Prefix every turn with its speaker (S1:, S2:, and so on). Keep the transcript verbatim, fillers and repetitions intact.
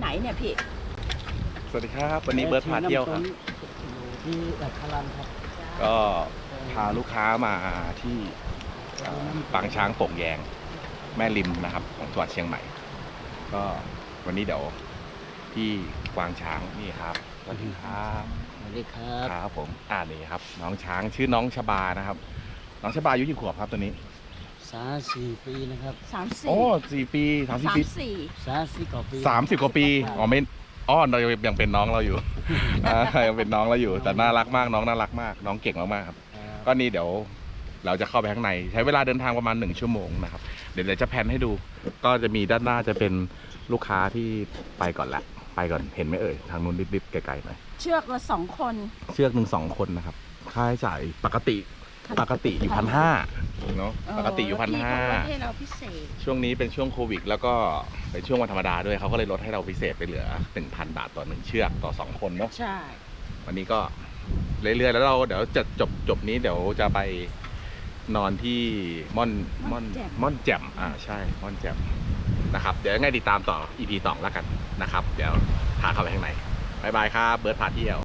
S1: ไหนเนี่ยพี่
S2: สวัสดีครับวันนี้เบิร์ดพาเที่ยวครับ
S3: ที่อัครันครับ
S2: ก็พาลูกค้ามาที่ปางช้างโป่งแยงแม่ริมนะครับของจังหวัดเชียงใหม่ก็วันนี้เดี๋ยวที่กวางช้างนี่ครับสวัสดีครับ
S3: สวัสดีครับ
S2: ครับผมอ่านี่ครับน้องช้างชื่อน้องชบานะครับน้องชบาอายุกี่ขวบครับตัวนี้
S3: สามสี่ปีนะครับ
S1: สามสี่
S2: โอ้สี่ปีสามสิบ
S1: สาม
S2: ปี
S1: สี่
S3: สามสี่กว่าปี
S2: สามสิบกว่าปีอ๋อไม่อ้อนเรายังเป็นน้องเราอยู่ อ่ายังเป็นน้องเราอยู่แต่น่ารักมากน้องน่ารักมากน้องเก่งมากๆครับก็นี่เดี๋ยวเราจะเข้าไปข้างในใช้เวลาเดินทางประมาณหนึ่งชั่วโมงนะครับเดี๋ยวเราจะแพนให้ดูก็จะมีด้านหน้าจะเป็นลูกค้าที่ไปก่อนละไปก่อนเห็นไหมเอ่ยทางนู้นนิดๆไกลๆหน่อย
S1: เชือกละสองคน
S2: เชือกหนึ่งสองคนนะครับค่าใช้จ่ายปกติปกติอยู่พันห้าเนาะปกติอยู่พันห้า
S1: ให้เราพิเศษ
S2: ช่วงนี้เป็นช่วงโควิดแล้วก็เป็นช่วงวันธรรมดาด้วยเขาก็เลยลดให้เราพิเศษไปเหลือ หนึ่งพัน บาทต่อหนึ่งเชือกต่อสองคนเนาะ
S1: ใช่
S2: วันนี้ก็เรื่อยๆแล้วเราเดี๋ยวจะจบจบนี้เดี๋ยวจะไปนอนที่ม่อนม่อนม่อนแจ่มอ่าใช่ม่อนแจ่มนะครับเดี๋ยวยังไงติดตามต่อ อี พี สองแล้วกันนะครับเดี๋ยวพาเข้าไปข้างในบ๊ายบายครับเบิร์ดพาเที่ยว